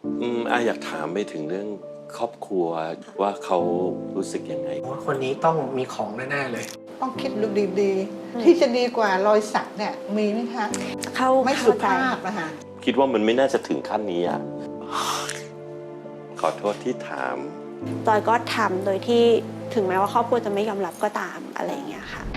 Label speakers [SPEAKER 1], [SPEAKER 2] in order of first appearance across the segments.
[SPEAKER 1] อยากถามไปถึงเรื่องครอบครัวว่าเขารู้สึกยังไง
[SPEAKER 2] ว่าคนนี้ต้องมีของแน่ๆเลย
[SPEAKER 3] ต้องคิดดูดีๆที่จะดีกว่ารอยสักเนี่ยมีไหมคะไม่สุภาพนะคะ
[SPEAKER 1] คิดว่ามันไม่น่าจะถึงขั้นนี้อ่ะขอโทษที่ถาม
[SPEAKER 4] จอยก็ทำโดยที่ถึงแม้ว่าครอบครัวจะไม่ยอมรับก็ตามอะไรอย่างเงี้ยค่ะ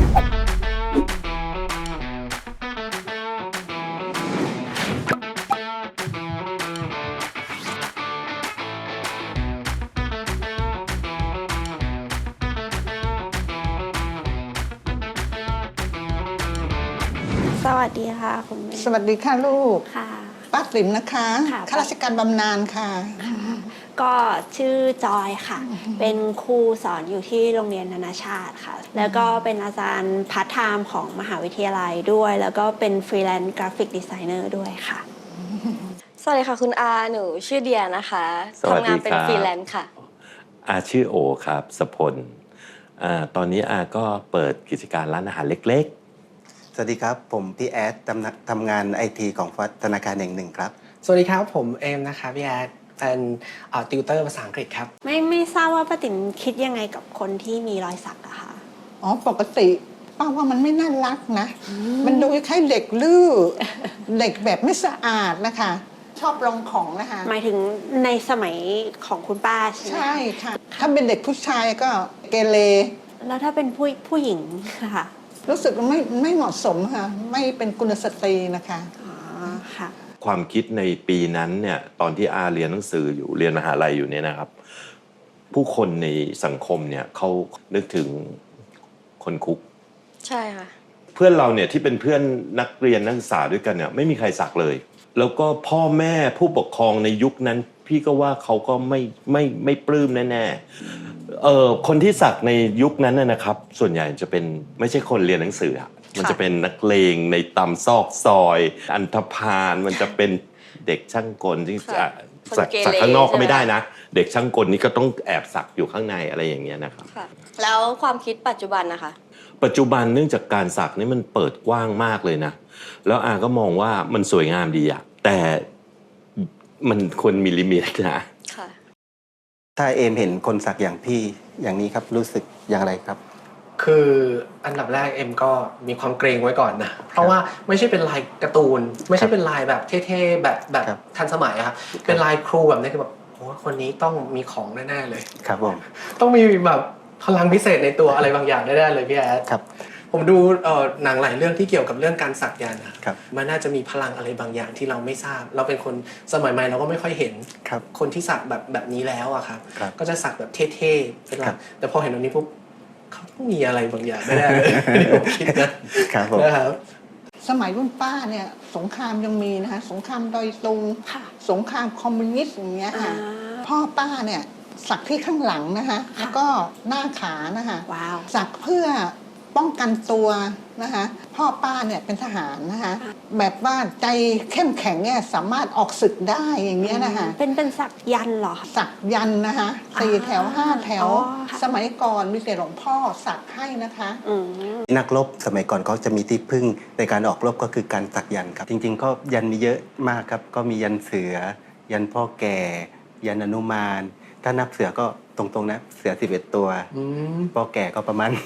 [SPEAKER 4] สวัสดีค่ะคุณแม่
[SPEAKER 3] สวัสดีค่ะลูก
[SPEAKER 4] ค่ะ
[SPEAKER 3] ป้าติ๋มนะคะข้าราชการบำนาญค่ะ
[SPEAKER 4] ก็ชื่อจอยค่ะเป็นครูสอนอยู่ที่โรงเรียนนานาชาติค่ะแล้วก็เป็นอาจารย์พาร์ทไทม์ของมหาวิทยาลัยด้วยแล้วก็เป็นฟรีแลนซ์กราฟิกดีไซเนอร์ด้วยค่ะ
[SPEAKER 5] สวัสดีค่ะคุณอาหนูชื่อเดียนะคะทำงานเป็นฟรีแลนซ์ค่ะ
[SPEAKER 1] ชื่อโอครับสพลตอนนี้ก็เปิดกิจการร้านอาหารเล็ก
[SPEAKER 6] ๆสวัสดีครับผมพี่แอดทำงานไอทีของธนาคารแห่งหนึ่งครับ
[SPEAKER 2] สวัสดีครับผมเอมนะคะพี่แอดเป็นติวเตอร์ภาษาอังกฤษครับ
[SPEAKER 4] ไม่ทราบว่าป้าติ๋มคิดยังไงกับคนที่มีรอยสักอะคะ
[SPEAKER 3] ปกติป้าว่ามันไม่น่ารักนะมันดูคล้ายเด็กลื้อเด็กแบบไม่สะอาดนะคะชอบลองของนะคะ
[SPEAKER 4] หมายถึงในสมัยของคุณป้าใช่ไหม
[SPEAKER 3] ใช่ค่ะถ้าเป็นเด็กผู้ชายก็เกเร
[SPEAKER 4] แล้วถ้าเป็นผู้หญิงค่ะ
[SPEAKER 3] รู้สึกไม่เหมาะสมค่ะไม่เป็นกุลสตรีนะคะ
[SPEAKER 4] ค่ะ
[SPEAKER 1] ความคิดในปีนั้นเนี่ยตอนที่เรียนหนังสืออยู่เรียนมหาลัยอยู่เนี่ยนะครับผู้คนในสังคมเนี่ยเขานึกถึงคนคุก
[SPEAKER 5] ใช่ค่ะ
[SPEAKER 1] เพื่อนเราเนี่ยที่เป็นเพื่อนนักเรียนนักศึกษาด้วยกันเนี่ยไม่มีใครสักเลยแล้วก็พ่อแม่ผู้ปกครองในยุคนั้นพี่ก็ว่าเขาก็ไม่ปลื้มแน่ๆคนที่สักในยุคนั้นนะครับส่วนใหญ่จะเป็นไม่ใช่คนเรียนหนังสือมันจะเป็นนักเลงในตำซอกซอยอันธพาลมันจะเป็นเด็กช่างกลที่สักข้างนอกก็ไม่ได้นะเด็กช่างกลนี่ก็ต้องแอบสักอยู่ข้างในอะไรอย่างเงี้ยนะครับ
[SPEAKER 5] แล้วความคิดปัจจุบันนะคะ
[SPEAKER 1] ปัจจุบันเนื่องจากการสักนี่มันเปิดกว้างมากเลยนะแล้วก็มองว่ามันสวยงามดีแต่มันควรมีลิมิตนะ
[SPEAKER 6] ถ้าเอมเห็นคนสักอย่างพี่อย่างนี้ครับรู้สึกอย่างไรครับ
[SPEAKER 2] คืออันดับแรกเอ็มก็มีความเกรงไว้ก่อนนะเพราะว่าไม่ใช่เป็นลายการ์ตูนไม่ใช่เป็นลายแบบเท่ๆแบบทันสมัยครับเป็นลายครูแบบนี้คือแบบโอ้คนนี้ต้องมีของแน่ๆเลย
[SPEAKER 6] ครับผม
[SPEAKER 2] ต้องมีแบบพลังพิเศษในตัวอะไรบางอย่างแน่ๆเลยพี่แอด
[SPEAKER 6] ครับ
[SPEAKER 2] ผมดูหนังหลายเรื่องที่เกี่ยวกับเรื่องการสักยันต์นะครับมันน่าจะมีพลังอะไรบางอย่างที่เราไม่ทราบเราเป็นคนสมัยใหม่เราก็ไม่ค่อยเห็นคนที่สักแบบนี้แล้วอะครับก็จะสักแบบเท่ๆเป็นหลักแต่พอเห็นตรงนี้ปุ๊บเขาต้องมีอะไรบางอย่างแน่ๆเลยผมคิดนะครับ
[SPEAKER 3] สมัยรุ่นป้าเนี่ยสงครามยังมีนะคะสงครามดอยตุงสงครามคอมมิวนิสต์อย่างเงี้ยค่ะพ่อป้าเนี่ยสักที่ข้างหลังนะคะแล้วก็หน้าขานะคะสักเพื่อป้องกันตัวนะคะพ่อป้าเนี่ยเป็นทหารนะคะแบบว่าใจเข้มแข็งเนี่ยสามารถออกศึกได้อย่างเงี้ยนะคะ
[SPEAKER 4] เป็นสักยันเหรอ
[SPEAKER 3] สักยันนะคะ4 แถว 5 แถวสมัยก่อนมีแต่หลวงพ่อสักให้นะคะ
[SPEAKER 6] นักรบสมัยก่อนเขาจะมีที่พึ่งในการออกรบก็คือการสักยันครับจริงๆก็ยันมีเยอะมากครับก็มียันเสือยันพ่อแก่ยันอนุมานถ้านับเสือก็ตรงๆนะเสือ11 ตัวพ่อแก่ก็ประมาณ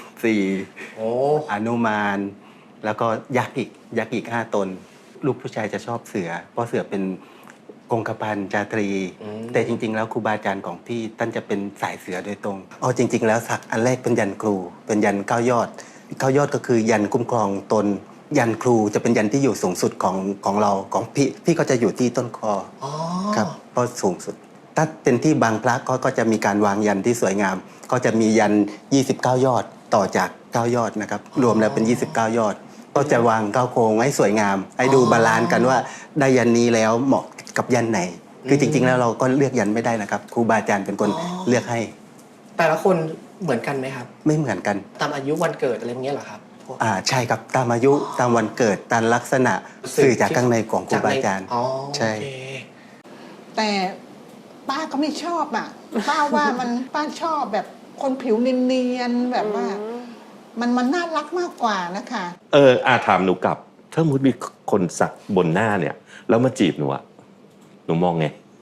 [SPEAKER 6] 4อนุมานแล้วก็ยักษ์อีก5 ตนลูกผู้ชายจะชอบเสือเพราะเสือเป็นกงคพันจาตรีแต่จริงๆแล้วครูบาอาจารย์ของพี่ท่านจะเป็นสายเสือโดยตรงจริงๆแล้วสักอันแรกเป็นยันครูเป็นยัน9 ยอด9 ยอดก็คือยันคุ้มครองตนยันครูจะเป็นยันที่อยู่สูงสุดของเราของพี่ก็จะอยู่ที่ต้นคอครับเพราะสูงสุดถ้าเป็นที่บางพระก็จะมีการวางยันที่สวยงามก็จะมียัน29 ยอดต่อจาก9 ยอดนะครับรวมแล้วเป็น29 ยอดก็จะวาง9 โครงให้สวยงามให้ดูบาลานซ์กันว่าได้ยันนี้แล้วเหมาะกับยันไหนคือจริงๆแล้วเราก็เลือกยันไม่ได้นะครับครูบาอาจารย์เป็นคนเลือกให้
[SPEAKER 2] แต่ละคนเหมือนกันไหมครับ
[SPEAKER 6] ไม่เหมือนกัน
[SPEAKER 2] ตามอายุวันเกิดอะไรอย่างเงี้ยเหรอครับ
[SPEAKER 6] ใช่ครับตามอายุตามวันเกิดตามลักษณะสื่อจากข้างในของครูบาอาจารย์ใช่
[SPEAKER 3] แต่ป้าก็ไม่ชอบป้าว่าป้าชอบแบบคนผิวเนียนๆแบบว่ามันน่ารักมากกว่านะคะ
[SPEAKER 1] ถามหนูกลับถ้ามุดมีคนสักบนหน้าเนี่ยแล้วมาจีบหนูหนูมองไง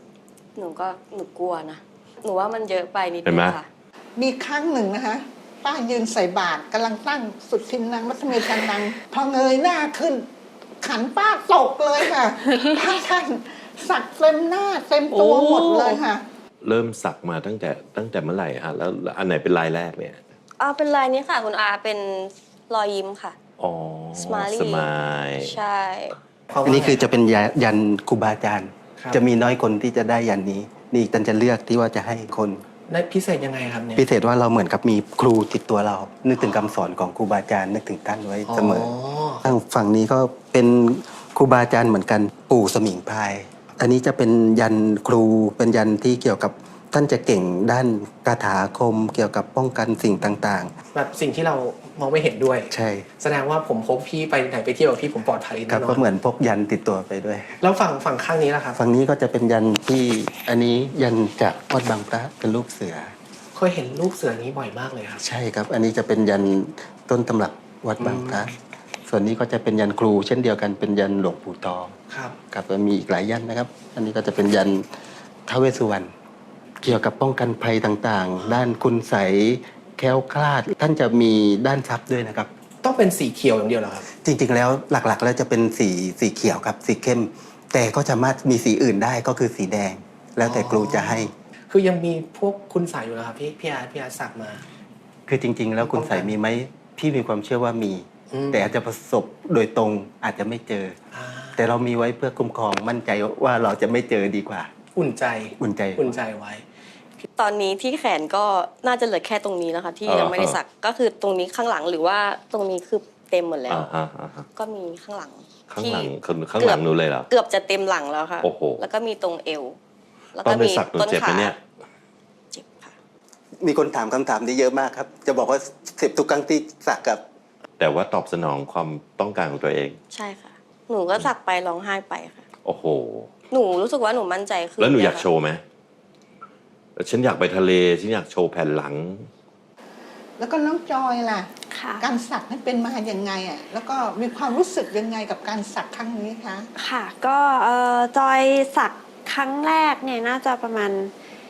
[SPEAKER 5] หนูกลัวนะ หนูว่ามันเยอะไปนิด
[SPEAKER 1] เห็น
[SPEAKER 5] นึ
[SPEAKER 1] ไหม
[SPEAKER 5] งค่ะ
[SPEAKER 3] มีครั้งหนึ่งนะคะป้ายืนใส่บาตรกำลังตั้งสุดทินนางมัทเมชันนังพอเงยหน้าขึ้น ขันป้าตกเลยค่ะ พระท่านสักเต็มหน้าเต็มตัวหมดเลยค่ะ
[SPEAKER 1] เริ่มสักมาตั้งแต่เมื่อไหร่ฮะแล้วอันไหนเป็นลายแรกเนี่ย
[SPEAKER 5] เป็นลายนี้ค่ะคุณอาเป็นรอยยิ้มค่ะ
[SPEAKER 1] อ๋อ
[SPEAKER 5] Smiley
[SPEAKER 1] สมาย
[SPEAKER 5] ใช่
[SPEAKER 6] อันนี้คือจะเป็นยันครูบาอาจารย์
[SPEAKER 2] ครับ
[SPEAKER 6] จะมีน้อยคนที่จะได้ยันนี้ นี่ตันจะเลือกที่ว่าจะให้คน
[SPEAKER 2] ได้พิเศษยังไงครับเนี่ย
[SPEAKER 6] พิเศษว่าเราเหมือนกับมีครูติดตัวเรา นึกถึงคำสอนของครูบาอาจารย์นึกถึงท่านไว้เสมอทางฝั่งนี้ก็เป็นครูบาอาจารย์เหมือนกันปู่สมิงพรายอันนี้จะเป็นยันครูเป็นยันที่เกี่ยวกับท่านจะเก่งด้านคาถาอาคมเกี่ยวกับป้องกันสิ่งต่าง
[SPEAKER 2] แบบสิ่งที่เรามองไม่เห็นด้วย
[SPEAKER 6] ๆ ใช่
[SPEAKER 2] แสดงว่าผมพบพี่ไปไหนไปเที่ยวกับพี่ผมปลอดภัย
[SPEAKER 6] ค
[SPEAKER 2] แน่
[SPEAKER 6] รับ
[SPEAKER 2] นอ
[SPEAKER 6] ก็
[SPEAKER 2] น
[SPEAKER 6] เหมือนพกยันติดตัวไปด้วย
[SPEAKER 2] แล้วฝั่งข้างนี้ล่ะครับ
[SPEAKER 6] ฝั่งนี้ก็จะเป็นยันที่อันนี้ยันจากวัดบางพระเป็นรูปเสือ
[SPEAKER 2] เคยเห็นรูปเสือนี้บ่อยมากเลยครับ
[SPEAKER 6] ใช่ครับ อันนี้จะเป็นยันต้นตำรับวัดบางพระส่วนนี้ก็จะเป็นยันครู เช่นเดียวกันเป็นยันหลวงปู่ตอง
[SPEAKER 2] ครับ
[SPEAKER 6] ครับมีอีกหลายยันนะครับ อันนี้ก็จะเป็นยันท้าวเวสสุวรรณเกี่ยวกับป้องกันภัยต่างๆ ด้านคุณไสยแคล้วคลาด ท่านจะมีด้านทรัพย์ด้วยนะครับ
[SPEAKER 2] ต้องเป็นสีเขียวอย่างเดียวเหรอครับ
[SPEAKER 6] จริงๆแล้วหลักๆแล้วจะเป็นสีเขียวครับสีเข้ม แต่ก็สามารถมีสีอื่นได้ก็คือสีแดง แล้วแต่ครูจะให้
[SPEAKER 2] คือยังมีพวกคุณสายอยู่นะครับพี่อาร์ตสักมา
[SPEAKER 6] คือจริง ๆ แล้วคุณไสยมีไหมพี่มีความเชื่อว่ามี
[SPEAKER 2] อืม
[SPEAKER 6] แต่อาจจะประสบโดยตรงอาจจะไม่เจอ
[SPEAKER 2] อ่า
[SPEAKER 6] แต่เรามีไว้เพื่อคุ้มครองมั่นใจว่าเราจะไม่เจอดีกว่า
[SPEAKER 2] อุ่นใจ
[SPEAKER 6] อุ่นใจ
[SPEAKER 2] อุ่นใจไว้
[SPEAKER 5] ตอนนี้ที่แขนก็น่าจะเหลือแค่ตรงนี้แล้วค่ะที่ยังไม่ได้สักก็คือตรงนี้ข้างหลังหรือว่าตรงนี้คือเต็มหมดแล้ว
[SPEAKER 1] อ่าฮะ
[SPEAKER 5] ก็มีข้างหลัง
[SPEAKER 1] ข้างหลัง
[SPEAKER 5] ที่
[SPEAKER 1] ข้างหลังหนูเลยเหรอ
[SPEAKER 5] เกือบจะเต็มหลังแล้วค่ะ
[SPEAKER 1] โอ้โห
[SPEAKER 5] แล้วก็มีตรงเอว แล้ว
[SPEAKER 1] ตอ
[SPEAKER 5] ก็
[SPEAKER 1] นไป
[SPEAKER 5] มี
[SPEAKER 1] สักหนู
[SPEAKER 5] ต้น
[SPEAKER 1] เจ็บไหม
[SPEAKER 5] ขา
[SPEAKER 1] เนี่ย
[SPEAKER 5] เจ็บค่ะ
[SPEAKER 6] มีคนถามคำถามนี้เยอะมากครับ จะบอกว่าเจ็บทุกครั้งที่สักกับ
[SPEAKER 1] แต่ว่าตอบสนองความต้องการของตัวเอง
[SPEAKER 5] ใช่ค่ะ หนูก็สักไปร้องไห้ไปค่ะ
[SPEAKER 1] โอ้โห
[SPEAKER 5] หนูรู้สึกว่าหนูมั่นใจขึ้น
[SPEAKER 1] แล้วหนูอยาก
[SPEAKER 5] ค่ะ
[SPEAKER 1] โชว์ไหมฉันอยากไปทะเลฉันอยากโชว์แผ่นหลัง
[SPEAKER 3] แล้วก็น้องจอยล่ะ
[SPEAKER 4] ค่ะ
[SPEAKER 3] การสักนั้นเป็นมาอย่างไงอ่ะแล้วก็มีความรู้สึกยังไงกับการสักครั้งนี้คะ
[SPEAKER 4] ค่ะก็จอยสักครั้งแรกเนี่ยน่าจะประมาณ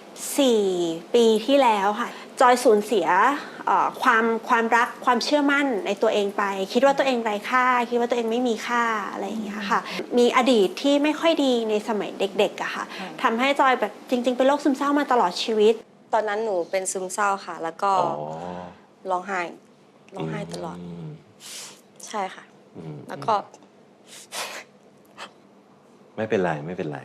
[SPEAKER 4] 4 ปีที่แล้วค่ะ จอยสูญเสียความรักความเชื่อมั่นในตัวเองไป คิดว่าตัวเองไร้ค่า คิดว่าตัวเองไม่มีค่าอะไรอย่างเงี้ยค่ะ มีอดีตที่ไม่ค่อยดีในสมัยเด็กๆอะค่ะทำให้จอยแบบจริงๆเป็นโรคซึมเศร้ามาตลอดชีวิต
[SPEAKER 5] ตอนนั้นหนูเป็นซึมเศร้าค่ะ แล้วก็
[SPEAKER 1] อ๋อ
[SPEAKER 5] ร้องไห้ตลอด
[SPEAKER 1] ม
[SPEAKER 5] ใช่ค่ะ
[SPEAKER 1] อืม
[SPEAKER 5] แล้วก็
[SPEAKER 1] ไม่เป็นไรไม่เป็นไร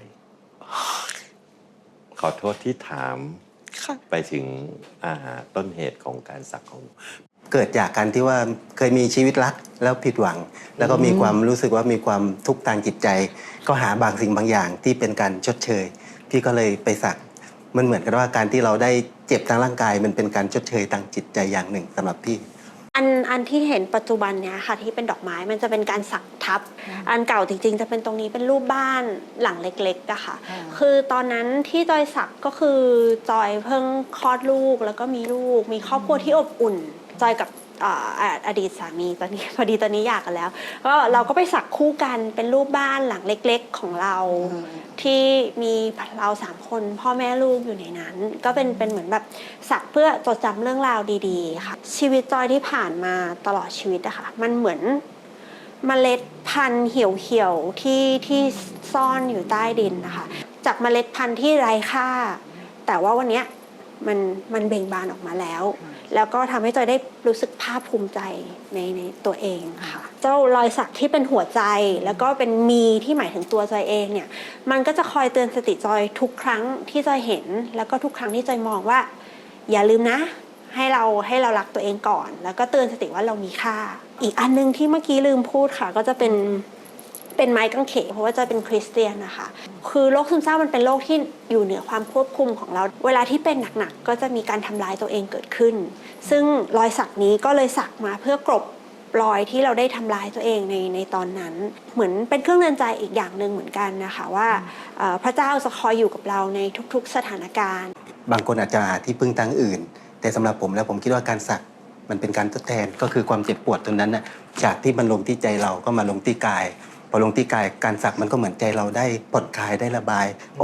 [SPEAKER 1] ขอโทษที่ถาม
[SPEAKER 5] ค่ะ
[SPEAKER 1] ไปถึงต้นเหตุของการสักของ
[SPEAKER 6] เกิดจากการที่ว่าเคยมีชีวิตรักแล้วผิดหวัง แล้วก็มีความรู้สึกว่ามีความทุกข์ทางจิตใจ ก็หาบางสิ่งบางอย่างที่เป็นการชดเชย พี่ก็เลยไปสักมันเหมือนกับว่าการที่เราได้เจ็บทางร่างกาย มันเป็นการชดเชยทางจิตใจอย่างหนึ่งสำหรับพี่
[SPEAKER 4] อันที่เห็นปัจจุบันเนี้ยค่ะที่เป็นดอกไม้มันจะเป็นการสักทับ อันเก่าจริงๆ จะเป็นตรงนี้เป็นรูปบ้านหลังเล็กๆอะค่ะ คือตอนนั้นที่จอยสักก็คือจอยเพิ่งคลอดลูกแล้วก็มีลูกมีครอบครัวที่อบอุ่น จอยกับอดีตสามีตอนนี้ พอดีตอนนี้หย่ากันแล้วก็เราก็ไปสักคู่กันเป็นรูปบ้านหลังเล็กๆของเรา ที่มีเรา3 คนพ่อแม่ลูกอยู่ในนั้น ก็เป็นเหมือนแบบสักเพื่อจดจำเรื่องราวดีๆค่ะชีวิตจอยที่ผ่านมาตลอดชีวิตอะค่ะมันเหมือนเมล็ดพันธุ์เหี่ยวๆที่ซ่อนอยู่ใต้ดินนะคะจากเมล็ดพันธุ์ที่ไร้ค่า แต่ว่าวันเนี้ยมันเบ่งบานออกมาแล้ว แล้วก็ทำให้จอยได้รู้สึกภาคภูมิใจในตัวเองค่ะ เจ้ารอยสักที่เป็นหัวใจแล้วก็เป็นมีที่หมายถึงตัวจอยเองเนี่ยมันก็จะคอยเตือนสติจอยทุกครั้งที่จอยเห็น แล้วก็ทุกครั้งที่จอยมองว่า อย่าลืมนะ ให้เรารักตัวเองก่อน แล้วก็เตือนสติว่าเรามีค่า อีกอันนึงที่เมื่อกี้ลืมพูดค่ะ ก็จะเป็นไม้กางเขนเพราะว่าจะเป็นคริสเตียนนะคะคือโรคซึมเศร้ามันเป็นโรคที่อยู่เหนือความควบคุมของเราเวลาที่เป็นหนักๆก็จะมีการทำร้ายตัวเองเกิดขึ้น ซึ่งรอยสักนี้ก็เลยสักมาเพื่อกลบรอยที่เราได้ทำร้ายตัวเองในตอนนั้นเหมือนเป็นเครื่องเตือนใจอีกอย่างหนึ่งเหมือนกันนะคะว่าพระเจ้าจะคอยอยู่กับเราในทุกๆสถานการณ์
[SPEAKER 6] บางคนอาจจะหาที่พึ่งทางอื่น แต่สำหรับผมแล้วผมคิดว่าการสักมันเป็นการทดแทนก็คือความเจ็บปวดตรงนั้นน่ะจากที่มันลงที่ใจเราก็มาลงที่กายพอลงที่กายการสักมันก็เหมือนใจเราได้ผ่อนคลายได้ระบายออก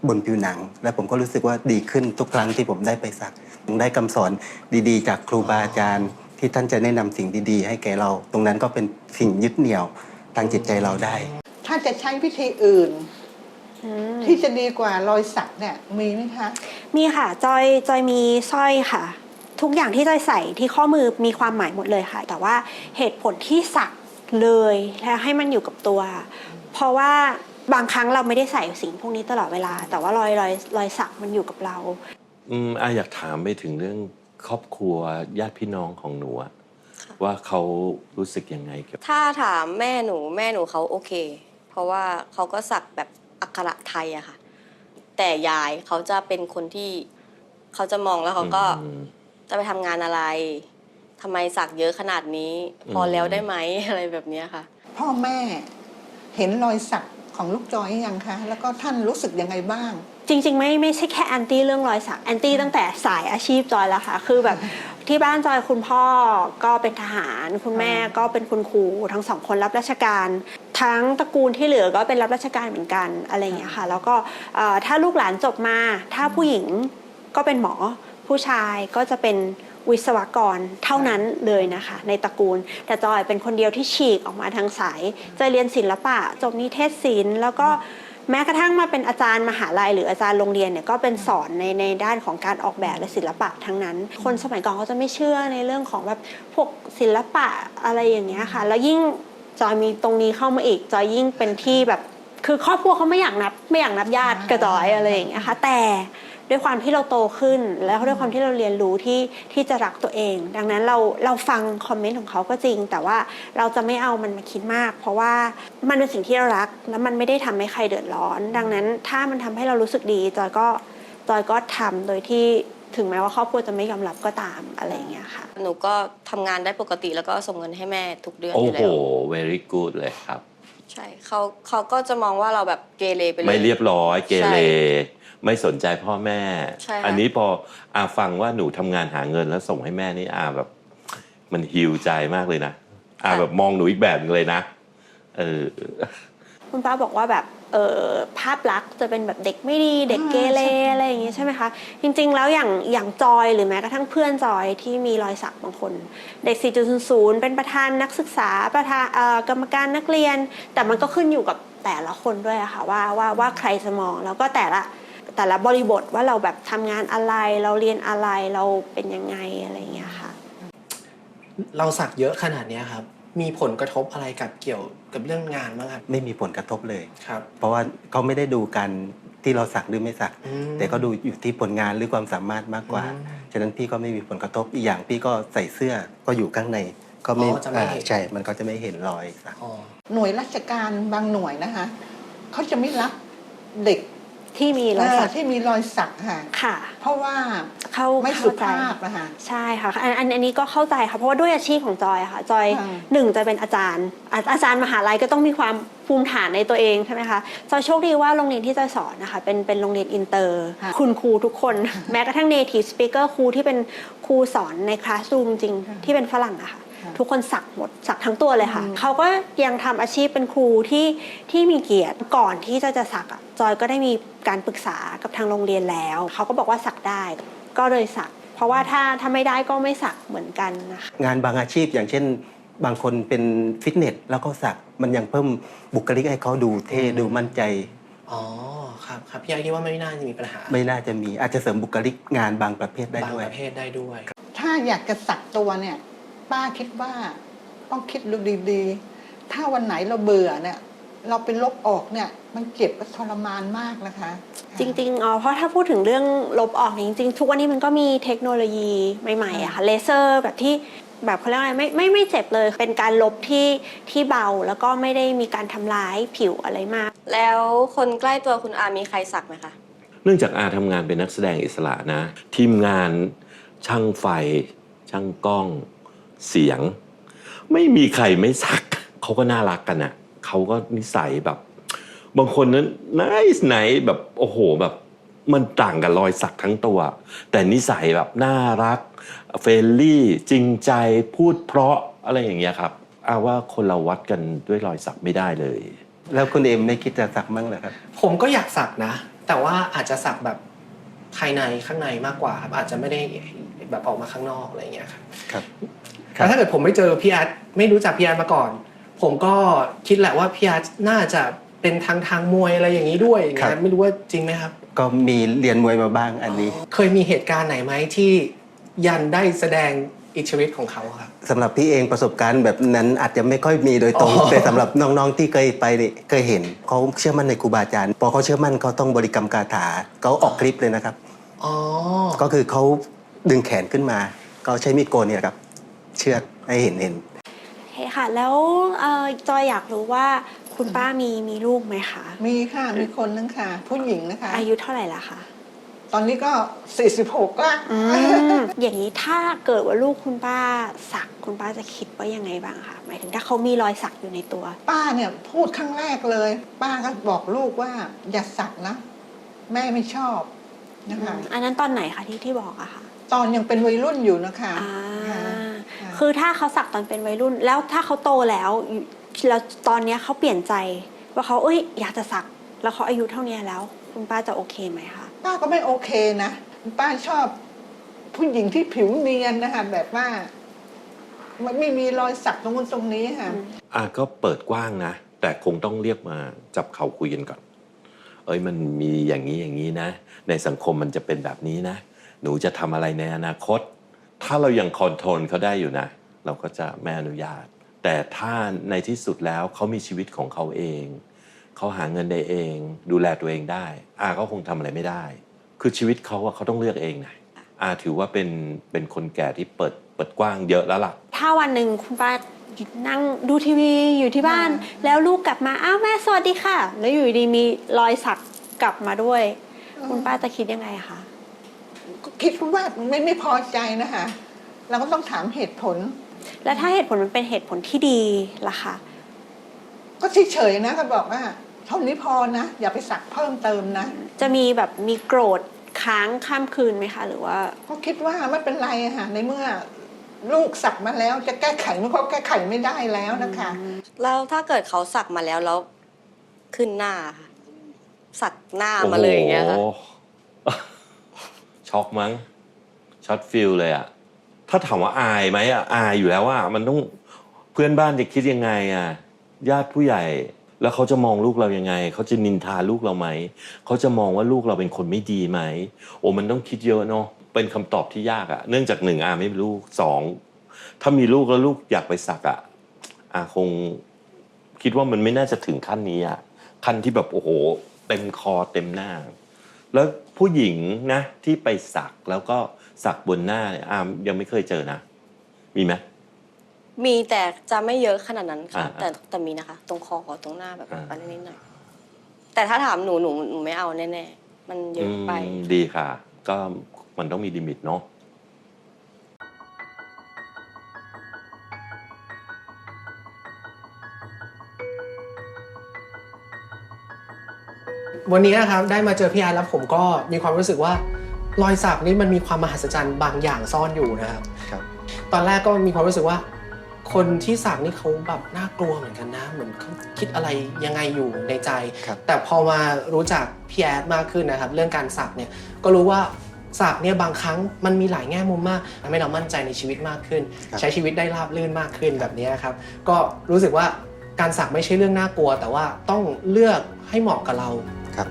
[SPEAKER 6] บนผิวหนัง และผมก็รู้สึกว่าดีขึ้นทุกครั้งที่ผมได้ไปสักผมได้คำสอนดีๆ จากครูบาอาจารย์ที่ท่านจะแนะนำสิ่งดีๆ ให้แก่เรา ตรงนั้นก็เป็นสิ่งยึดเหนี่ยวทางจิตใจเราได้
[SPEAKER 3] ถ้าจะใช้วิธีอื่น ที่จะดีกว่ารอยสักเนี่ยมีไหมคะ
[SPEAKER 4] มีค่ะจอยมีสร้อยค่ะ ทุกอย่างที่จอยใส่ที่ข้อมือมีความหมายหมดเลยค่ะ แต่ว่าเหตุผลที่สักเลยแล้วให้มันอยู่กับตัว เพราะว่าบางครั้งเราไม่ได้ใส่สิ่งพวกนี้ตลอดเวลา แต่ว่ารอยสักมันอยู่กับเรา
[SPEAKER 1] อยากถามไปถึงเรื่องครอบครัวญาติพี่น้องของหนูอะว่าเขารู้สึกยังไงกับ
[SPEAKER 5] ถ้าถามแม่หนูเขาโอเค เพราะว่าเขาก็สักแบบอักขระไทยอะค่ะ แต่ยายเขาจะเป็นคนที่เขาจะมองแล้วเขาก็จะไปทำงานอะไรทำไมสักเยอะขนาดนี้พอแล้วได้ไหม อะไรแบบเนี้ยค่ะ
[SPEAKER 3] พ่อแม่เห็นรอยสักของลูกจอยยังคะ แล้วก็ท่านรู้สึกยังไงบ้าง
[SPEAKER 4] จริงๆไม่ใช่แค่แอนตี้เรื่องรอยสักแอนตี้ตั้งแต่สายอาชีพจอยแล้วค่ะคือแบบที่บ้านจอยคุณพ่อก็เป็นทหารคุณแม่ก็เป็นคุณครูทั้งสองคนรับราชการทั้งตระกูลที่เหลือก็เป็นรับราชการเหมือนกันอะไรอย่างเงี้ยค่ะแล้วก็ถ้าลูกหลานจบมาถ้าผู้หญิงก็เป็นหมอผู้ชายก็จะเป็นวิศวกรเท่านั้นเลยนะคะในตระกูลแต่จอยเป็นคนเดียวที่ฉีกออกมาทางสายจอยเรียนศิลปะจบนิเทศศิลป์แล้วก็แม้กระทั่งมาเป็นอาจารย์มหาลัยหรืออาจารย์โรงเรียนเนี่ยก็เป็นสอนในด้านของการออกแบบและศิลปะทั้งนั้นคนสมัยก่อนเขาจะไม่เชื่อในเรื่องของแบบพวกศิลปะอะไรอย่างเงี้ยค่ะแล้วยิ่งจอยมีตรงนี้เข้ามาอีกจอยยิ่งเป็นที่แบบคือครอบครัวเขาไม่อยากนับญาติกระจอยอะไรอย่างเงี้ยค่ะแต่ด้วยความที่เราโตขึ้นแล้วด้วยความที่เราเรียนรู้ที่จะรักตัวเองดังนั้นเราฟังคอมเมนต์ของเขาก็จริงแต่ว่าเราจะไม่เอามันมาคิดมากเพราะว่ามันเป็นสิ่งที่เรารักแล้วมันไม่ได้ทำให้ใครเดือดร้อนดังนั้นถ้ามันทำให้เรารู้สึกดีจอยก็ทำโดยที่ถึงแม้ว่าครอบครัวจะไม่ยอมรับก็ตามอะไรอย่างเงี้ยค่ะ
[SPEAKER 5] หนูก็ทำงานได้ปกติแล้วก็ส่งเงินให้แม่ทุกเดือน
[SPEAKER 1] โอ้
[SPEAKER 5] อยู่
[SPEAKER 1] โห
[SPEAKER 5] แล้ว
[SPEAKER 1] very good เลยครับ
[SPEAKER 5] ใช่เขาก็จะมองว่าเราแบบเกเรไปเลย
[SPEAKER 1] ไม่เรียบร้อยเกเร
[SPEAKER 5] ใช่
[SPEAKER 1] ไม่สนใจพ่อแม่
[SPEAKER 5] ใช่ค่ะ
[SPEAKER 1] อันนี้พอฟังว่าหนูทำงานหาเงินแล้วส่งให้แม่นี่แบบมันฮิวใจมากเลยนะแบบมองหนูอีกแบบนึงเลยนะ
[SPEAKER 4] คุณป้าบอกว่าแบบภาพลักษณ์จะเป็นแบบเด็กไม่ดีเด็กเกเรอะไรอย่างเงี้ยใช่ไหมคะจริงๆแล้วอย่างจอยหรือแม้กระทั่งเพื่อนจอยที่มีรอยสักบางคนเด็ก 4.00 เป็นประธานนักศึกษาประธานกรรมการนักเรียนแต่มันก็ขึ้นอยู่กับแต่ละคนด้วยอะค่ะว่าใครจะมองแล้วก็แต่ละบริบทว่าเราแบบทำงานอะไรเราเรียนอะไรเราเป็นยังไงอะไรอย่างเงี้ยค่ะ
[SPEAKER 2] เราสักเยอะขนาดเนี้ยครับมีผลกระทบอะไรเกี่ยวกับเรื่องงานบ้างครับ
[SPEAKER 6] ไม่มีผลกระทบเลย
[SPEAKER 2] ครับ
[SPEAKER 6] เพราะว่าเขาไม่ได้ดูกันที่เราสักหรือไม่สัก แต่ก็ดูอยู่ที่ผลงานหรือความสามารถมากกว่า ฉะนั้นพี่ก็ไม่มีผลกระทบอีกอย่างพี่ก็ใส่เสื้อก็อยู่ข้างในก็ไม่ใช่มันก็จะไม่เห็นรอยสัก
[SPEAKER 3] หน่วยราชการบางหน่วยนะคะเขาจะไม่รับเด็ก
[SPEAKER 4] ที่มีรอยสัก
[SPEAKER 3] ที่มีรอยสักค่ะ
[SPEAKER 4] ค่ะ
[SPEAKER 3] เพราะว่า
[SPEAKER 4] เขา
[SPEAKER 3] ไม่สุภาพนะคะ
[SPEAKER 4] ใช่ค่ะอันนี้ก็เข้าใจค่ะเพราะว่าด้วยอาชีพของจอยค่ะจอย
[SPEAKER 3] ค่ะ
[SPEAKER 4] หนึ่งจะเป็นอาจารย์มหาลัยก็ต้องมีความภูมิฐานในตัวเองใช่ไหมคะจอยโชคดีว่าโรงเรียนที่จอยสอนนะคะเป็นโรงเรียนอินเตอร์คุณครูทุกคน แม้กระทั่ง native speaker ครูที่เป็นครูสอนในคลาสรูมจริงที่เป็นฝรั่งอะค่ะทุกคนสักหมดสักทั้งตัวเลยค่ะเขาก็ยังทำอาชีพเป็นครูที่มีเกียรติก่อนที่จะสักอะจอยก็ได้มีการปรึกษากับทางโรงเรียนแล้วเขาก็บอกว่าสักได้ก็เลยสักเพราะว่าถ้าไม่ได้ก็ไม่สักเหมือนกันนะคะ
[SPEAKER 6] งานบางอาชีพอย่างเช่นบางคนเป็นฟิตเนสแล้วก็สักมันยังเพิ่มบุคลิกให้เขาดูเท่ดูมั่นใจ
[SPEAKER 2] อ๋อครับพี่ไอคิดว่าไม่น่าจะมีปัญหา
[SPEAKER 6] ไม่น่าจะมีอาจจะเสริมบุคลิกงานบางประเภทได้
[SPEAKER 2] บาง
[SPEAKER 6] ด้วย
[SPEAKER 2] ประเภทได้ด้วย
[SPEAKER 3] ถ้าอยากจะสักตัวเนี่ยป้าคิดว่าต้องคิดดูดีๆ ถ้าวันไหนเราเบื่อเนี่ยเราไปลบออกเนี่ยมันเจ็บและทรมานมากนะคะ
[SPEAKER 4] จริงๆเพราะถ้าพูดถึงเรื่องลบออกจริงๆทุกวันนี้มันก็มีเทคโนโลยีใหม่ๆอะค่ะเลเซอร์แบบที่แบบเขาเรียกอะไรไม่เจ็บเลยเป็นการลบที่เบาแล้วก็ไม่ได้มีการทำร้ายผิวอะไรมาก
[SPEAKER 5] แล้วคนใกล้ตัวคุณอามีใครสักไหมคะ
[SPEAKER 1] เนื่องจากทำงานเป็นนักแสดงอิสระนะทีมงานช่างไฟช่างกล้องเสียงไม่มีใครไม่สักเขาก็น่ารักกันอ่ะเขาก็นิสัยแบบบางคนนั้นไหนแบบโอ้โหแบบมันต่างกับรอยสักทั้งตัวแต่นิสัยแบบน่ารักเฟรนลี่จริงใจพูดเพราะอะไรอย่างเงี้ยครับว่าคนเราวัดกันด้วยรอยสักไม่ได้เลย
[SPEAKER 6] แล้วคุณเอ็มไม่คิดจะสักมั้งเหรอครับ
[SPEAKER 2] ผมก็อยากสักนะแต่ว่าอาจจะสักแบบภายในข้างในมากกว่าครับอาจจะไม่ได้แบบออกมาข้างนอกอะไรอย่างเงี้ยครับ
[SPEAKER 6] ครับ
[SPEAKER 2] แต่ถ้าเกิดผมไม่เจอพี่อาร์ตไม่รู้จักพี่อาร์ตมาก่อน ผมก็คิดแหละว่าพี่อาร์ตน่าจะเป็นทางมวยอะไรอย่างนี้ด้วยอย่างเงี้ยไม่รู้ว่าจริงไหมครับ
[SPEAKER 6] ก็มีเรียนมวยมาบ้างอันนี้
[SPEAKER 2] เคยมีเหตุการณ์ไหนไหมที่ยันได้แสดงอิทธิฤทธิ์ของเขาครับ
[SPEAKER 6] สำหรับพี่เองประสบการณ์แบบนั้นอาจจะไม่ค่อยมีโดยตรง แต่สำหรับน้องๆที่เคยไปนี่เคยเห็นเขาเชื่อมั่นในครูบาอาจารย์พอเขาเชื่อมั่นเขาต้องบริกรรมคาถาเขาออกคลิปเลยนะครับ
[SPEAKER 2] อ๋อ
[SPEAKER 6] ก็คือเขาดึงแขนขึ้นมาเขาใช้มีดโกนเนี่ยครับเชือดให้เห็น
[SPEAKER 4] โอเคค่ะ แล้วจอยอยากรู้ว่าคุณป้ามีลูกไหมคะ
[SPEAKER 3] มีค่ะมีคนนึงค่ะ ผู้หญิงนะคะ
[SPEAKER 4] อายุเท่าไหร่ละคะ
[SPEAKER 3] ตอนนี้ก็ 46ก็
[SPEAKER 4] อย่างนี้ถ้าเกิดว่าลูกคุณป้าสักคุณป้าจะคิดว่ายังไงบ้างคะหมายถึงถ้าเขามีรอยสักอยู่ในตัว
[SPEAKER 3] ป้าเนี่ยพูดครั้งแรกเลย ป้าก็บอกลูกว่าอย่าสักนะ แม่ไม่ชอบนะคะ
[SPEAKER 4] อันนั้นตอนไหนคะที่บอกอะคะ
[SPEAKER 3] ตอนยังเป็นวัยรุ่นอยู่นะคะ
[SPEAKER 4] อ่า
[SPEAKER 3] ค่ะ
[SPEAKER 4] คือถ้าเขาสักตอนเป็นวัยรุ่น แล้วถ้าเขาโตแล้วตอนเนี้ยเขาเปลี่ยนใจว่าเขาอยากจะสักแล้วเขาอายุเท่านี้แล้ว คุณป้าจะโอเคไหมคะ
[SPEAKER 3] ป้าก็ไม่โอเคนะป้าชอบผู้หญิงที่ผิวเนียนนะคะแบบว่ามันไม่มีรอยสักตรงนู้นตรงนี้ค่ะ
[SPEAKER 1] ก็เปิดกว้างนะ แต่คงต้องเรียกมาจับเข่าคุยกันก่อนมันมีอย่างนี้นะ ในสังคมมันจะเป็นแบบนี้นะ หนูจะทำอะไรในอนาคต ถ้าเรายังคอนโทรลเขาได้อยู่นะ เราก็จะไม่อนุญาต แต่ถ้าในที่สุดแล้วเขามีชีวิตของเขาเองเขาหาเงินได้เองดูแลตัวเองได้ก็คงทำอะไรไม่ได้ คือชีวิตเขาเขาต้องเลือกเองนะถือว่าเป็นคนแก่ที่เปิดกว้างเยอะแล้วล่ะ
[SPEAKER 4] ถ้าวันหนึ่งคุณป้านั่งดูทีวีอยู่ที่บ้าน แล้วลูกกลับมาอ้าวแม่สวัสดีค่ะ แล้วอยู่ดีมีรอยสักกลับมาด้วย คุณป้าจะคิดยังไงคะ
[SPEAKER 3] คิดว่าไม่พอใจนะคะเราก็ต้องถามเหตุผล
[SPEAKER 4] แล้วถ้าเหตุผลมันเป็นเหตุผลที่ดีล่ะคะ
[SPEAKER 3] ก็เฉยๆนะก็บอกว่าเท่านี้พอนะอย่าไปสักเพิ่มเติมนะ
[SPEAKER 4] จะมีแบบมีโกรธค้างข้ามคืนไหมคะหรือว่า
[SPEAKER 3] ก็คิดว่าไม่เป็นไรอะค่ะในเมื่อลูกสักมาแล้วจะแก้ไขมันก็แก้ไขไม่ได้แล้วนะคะ
[SPEAKER 5] แล้วถ้าเกิดเขาสักมาแล้วขึ้นหน้าค่ะสักหน้ามาเลยอย่างเงี้ยค่ะ
[SPEAKER 1] โอ้โห ช็อกมั้งช็อตฟิลเลยอะถ้าถามว่าอายไหมอายอยู่แล้วว่ามันต้องเพื่อนบ้านจะคิดยังไงญาติผู้ใหญ่แล้วเขาจะมองลูกเรายังไงเขาจะนินทาลูกเราไหมเขาจะมองว่าลูกเราเป็นคนไม่ดีไหมมันต้องคิดเยอะเนาะเป็นคำตอบที่ยากเนื่องจาก1ไม่มีลูก2ถ้ามีลูกแล้วลูกอยากไปสักคงคิดว่ามันไม่น่าจะถึงขั้นนี้ขั้นที่แบบโอ้โหเต็มคอเต็มหน้าแล้วผู้หญิงนะที่ไปสักแล้วก็สักบนหน้าเนี่ยยังไม่เคยเจอนะมีไหม
[SPEAKER 5] มีแต่จะไม่เยอะขนาดนั้นค่ะ
[SPEAKER 1] อ่า
[SPEAKER 5] แต่มีนะคะ ตรงคอตรงหน้าแบบอะไรนิดหน่อยแต่ถ้าถามหนูไม่เอาแน่ๆมันเยอะไป
[SPEAKER 1] ดีค่ะ ก็มันต้องมีลิมิตเนาะ
[SPEAKER 2] วันนี้นะครับได้มาเจอพี่อาร์ตแล้วผมก็มีความรู้สึกว่ารอยสักนี่มันมีความมหัศจรรย์บางอย่างซ่อนอยู่นะครับ
[SPEAKER 6] ครับ
[SPEAKER 2] ตอนแรกก็มีความรู้สึกว่า คนที่สักนี่เขาแบบน่ากลัวเหมือนกันนะเหมือนเขาคิดอะไรยังไงอยู่ในใจ
[SPEAKER 6] ครับ
[SPEAKER 2] แต่พอมารู้จักพี่แอดมากขึ้นนะครับ เรื่องการสักเนี่ยก็รู้ว่าสักเนี่ยบางครั้งมันมีหลายแง่มุมมากทำให้เรามั่นใจในชีวิตมากขึ้น ใช้ชีวิตได้ราบรื่นมากขึ้นแบบนี้ครับก็รู้สึกว่าการสักไม่ใช่เรื่องน่ากลัว แต่ว่าต้องเลือกให้เหมาะกับเรา
[SPEAKER 6] ครับ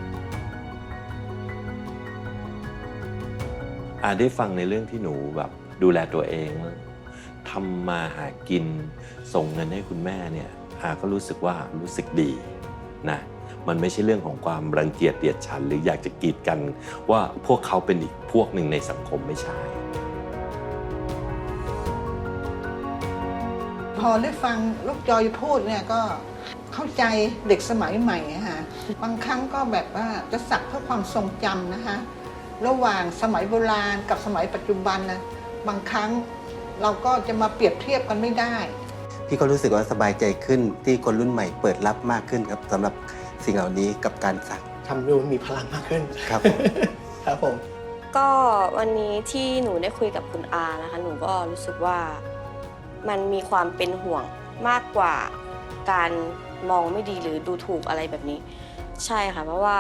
[SPEAKER 1] ได้ฟังในเรื่องที่หนูแบบดูแลตัวเองทำมาหากินส่งเงินให้คุณแม่เนี่ยก็รู้สึกว่ารู้สึกดีนะมันไม่ใช่เรื่องของความรังเกียจเดียดฉันหรืออยากจะกีดกันว่าพวกเขาเป็นอีกพวกหนึ่งในสังคมไม่ใช่
[SPEAKER 3] พอได้ฟังลูกจอยพูดเนี่ยก็เข้าใจเด็กสมัยใหม่นะคะบางครั้งก็แบบว่าจะสักเพื่อความทรงจำนะคะระหว่างสมัยโบราณกับสมัยปัจจุบันนะบางครั้งเราก็จะมาเปรียบเทียบกันไม่ได้
[SPEAKER 6] พี่ก็รู้สึกว่าสบายใจขึ้นที่คนรุ่นใหม่เปิดรับมากขึ้นครับสำหรับสิ่งเหล่านี้กับการสัก
[SPEAKER 2] ทำดูมีพลังมากขึ้น
[SPEAKER 6] ครับผม
[SPEAKER 2] ครับผม
[SPEAKER 5] ก็วันนี้ที่หนูได้คุยกับคุณอานะคะหนูก็รู้สึกว่ามันมีความเป็นห่วงมากกว่าการมองไม่ดีหรือดูถูกอะไรแบบนี้ ใช่ค่ะเพราะว่า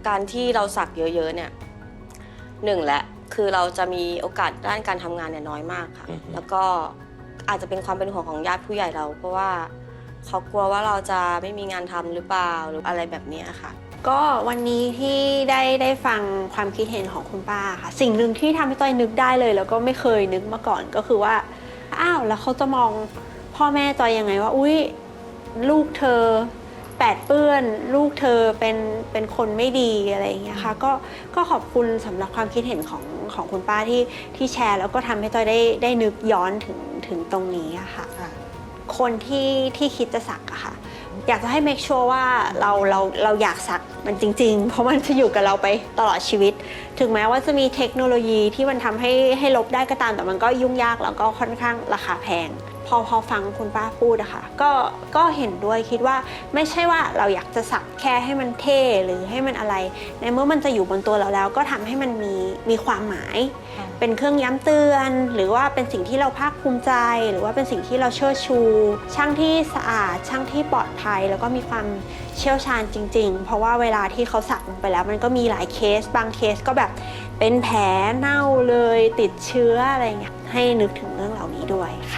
[SPEAKER 5] การที่เราสักเยอะๆเนี่ยหนึ่งแหละคือเราจะมีโอกาสด้านการทำงานเนี่ยน้อยมากค่ะแล้วก็อาจจะเป็นความเป็นห่วงของญาติผู้ใหญ่เรา เพราะว่าเขากลัวว่าเราจะไม่มีงานทำหรือเปล่าหรืออะไรแบบนี้ค่ะ
[SPEAKER 4] ก็วันนี้ที่ได้ฟังความคิดเห็นของคุณป้าค่ะสิ่งหนึ่งที่ทำให้ต้อยนึกได้เลยแล้วก็ไม่เคยนึกมาก่อนก็คือว่าอ้าวแล้วเขาจะมองพ่อแม่จอยยังไงว่าอุ๊ยลูกเธอแปดเปื้อนลูกเธอเป็นคนไม่ดีอะไรอย่างเงี้ยค่ะก็ขอบคุณสำหรับความคิดเห็นของคุณป้าที่แชร์แล้วก็ทำให้ต้อยได้นึกย้อนถึงตรงนี้อะค่ะคนที่คิดจะสักอะค่ะอยากจะให้ make sure ว่าเราอยากสักมันจริงๆเพราะมันจะอยู่กับเราไปตลอดชีวิตถึงแม้ว่าจะมีเทคโนโลยีที่มันทำให้ลบได้ก็ตามแต่มันก็ยุ่งยากแล้วก็ค่อนข้างราคาแพงพอฟังคุณป้าพูดอะค่ะก็เห็นด้วยคิดว่าไม่ใช่ว่าเราอยากจะสักแค่ให้มันเท่หรือให้มันอะไรในเมื่อมันจะอยู่บนตัวเราแล้วก็ทำให้มันมีความหมายเป็นเครื่องย้ำเตือนหรือว่าเป็นสิ่งที่เราภาคภูมิใจหรือว่าเป็นสิ่งที่เราเชิดชูช่างที่สะอาดช่างที่ปลอดภัยแล้วก็มีความเชี่ยวชาญจริงๆเพราะว่าเวลาที่เขาสักลงไปแล้วมันก็มีหลายเคสบางเคสก็แบบเป็นแผลเน่าเลยติดเชื้ออะไรเงี้ยให้นึกถึงเรื่องเหล่านี้ด้วยค่ะ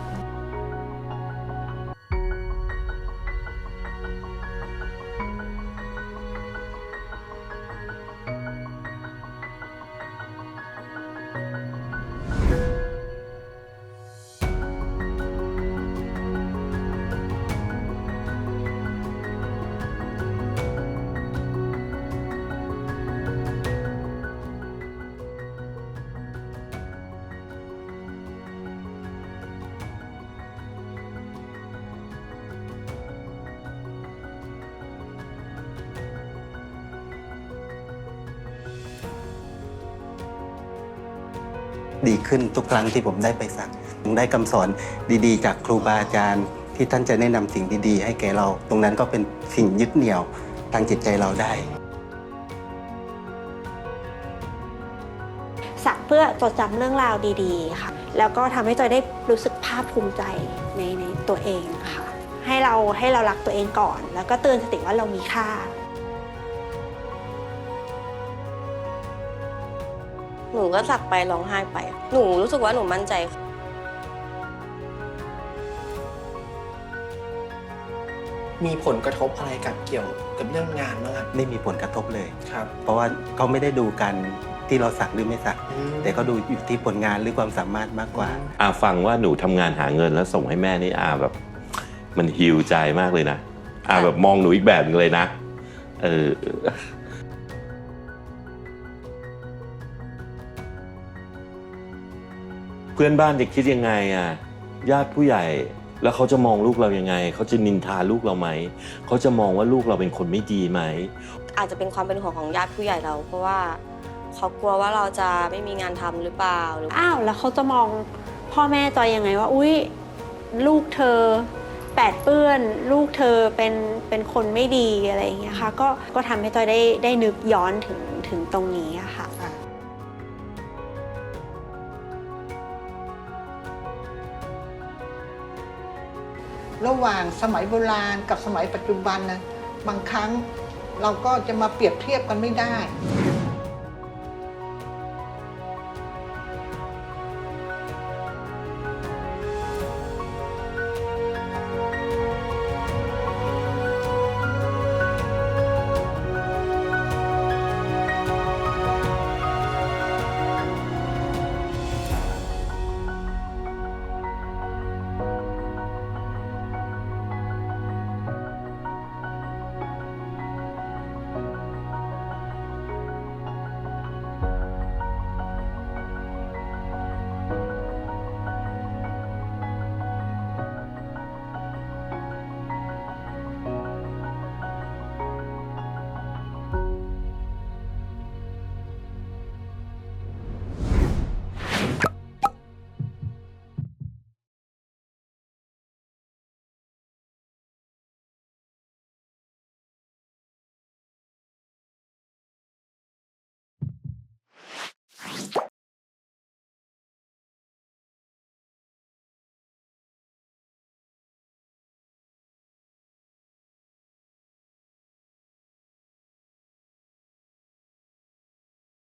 [SPEAKER 6] ดีขึ้นทุกครั้งที่ผมได้ไปสักได้คำสอนดีๆ จากครูบาอาจารย์ที่ท่านจะแนะนำสิ่งดีๆให้แก่เรา ตรงนั้นก็เป็นสิ่งยึดเหนี่ยวทางจิตใจเราได้
[SPEAKER 4] สักเพื่อจดจำเรื่องราวดีๆค่ะแล้วก็ทำให้จอยได้รู้สึกภาคภูมิใจในตัวเองค่ะให้เรารักตัวเองก่อนแล้วก็เตือนสติว่าเรามีค่า
[SPEAKER 5] หนูก็สักไปร้องไห้ไปหนูรู้สึกว่าหนูมั่นใจ
[SPEAKER 2] มีผลกระทบอะไรเกี่ยวกับเรื่องงานบ้างครับ
[SPEAKER 6] ไม่มีผลกระทบเลย
[SPEAKER 2] ครับ
[SPEAKER 6] เพราะว่าเขาไม่ได้ดูกันที่เราสักหรือไม่สัก แต่ก็ดูอยู่ที่ผลงานหรือความสามารถมากกว่า
[SPEAKER 1] ฟังว่าหนูทำงานหาเงินแล้วส่งให้แม่นี่แบบมันฮีลใจมากเลยนะแบบมองหนูอีกแบบนึงเลยนะเพื่อนบ้านจะคิดยังไงญาติผู้ใหญ่แล้วเขาจะมองลูกเรายังไงเขาจะนินทาลูกเราไหมเขาจะมองว่าลูกเราเป็นคนไม่ดีไหม
[SPEAKER 5] อาจจะเป็นความเป็นห่วงของญาติผู้ใหญ่เรา เพราะว่าเขากลัวว่าเราจะไม่มีงานทำหรือเปล่า
[SPEAKER 4] อ้าวแล้วเขาจะมองพ่อแม่จอยยังไงว่าอุ๊ยลูกเธอแปดเปื้อนลูกเธอเป็นคนไม่ดีอะไรอย่างเงี้ยค่ะก็ทำให้จอยได้นึกย้อนถึงตรงนี้อะค่ะ
[SPEAKER 3] ระหว่างสมัยโบราณกับสมัยปัจจุบันนะบางครั้งเราก็จะมาเปรียบเทียบกันไม่ได้